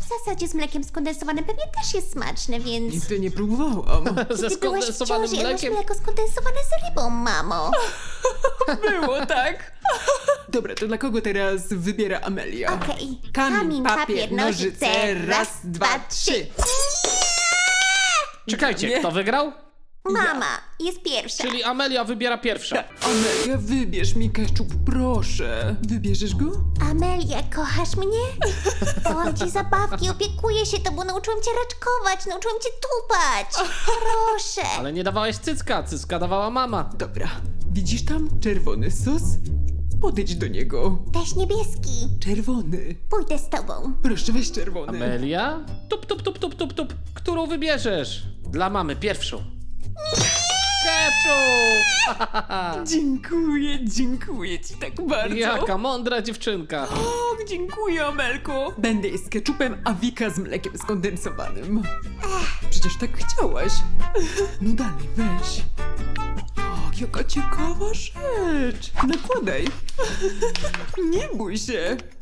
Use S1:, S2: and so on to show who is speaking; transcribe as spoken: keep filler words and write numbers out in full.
S1: W zasadzie z mlekiem skondensowanym pewnie też jest smaczne, więc...
S2: Nigdy nie próbowałam.
S3: Ze
S1: Ty byłaś w
S3: skondensowanym
S1: ciąży, jadłaś
S3: mlekiem.
S1: mleko skondensowane z rybą, mamo.
S2: Było, tak? Dobra, to dla kogo teraz wybiera Amelia?
S1: Okej.
S2: Kamień, papier, nożyce, raz, dwa, trzy.
S3: Czekajcie,
S2: Nie.
S3: kto wygrał?
S1: Mama jest pierwsza.
S3: Czyli Amelia wybiera pierwsza.
S2: Amelia, wybierz mi keczup, proszę. Wybierzesz go?
S1: Amelia, kochasz mnie? Dałam ci zabawki, opiekuję się tobą, nauczyłam cię raczkować, nauczyłam cię tupać. Proszę.
S3: Ale nie dawałeś cycka, cycka dawała mama.
S2: Dobra. Widzisz tam czerwony sos? Podejdź do niego.
S1: Weź niebieski.
S2: Czerwony.
S1: Pójdę z tobą.
S2: Proszę, weź czerwony.
S3: Amelia? Tup, tup, tup, tup, tup, tup. Którą wybierzesz? Dla mamy pierwszą. Ketchup!
S2: Dziękuję, dziękuję ci tak bardzo.
S3: Jaka mądra dziewczynka.
S2: O, dziękuję, Amelko. Będę jeść z keczupem, a Wika z mlekiem skondensowanym. Przecież tak chciałaś. No dalej, weź. O, jaka ciekawa rzecz. Nakładaj. Nie bój się.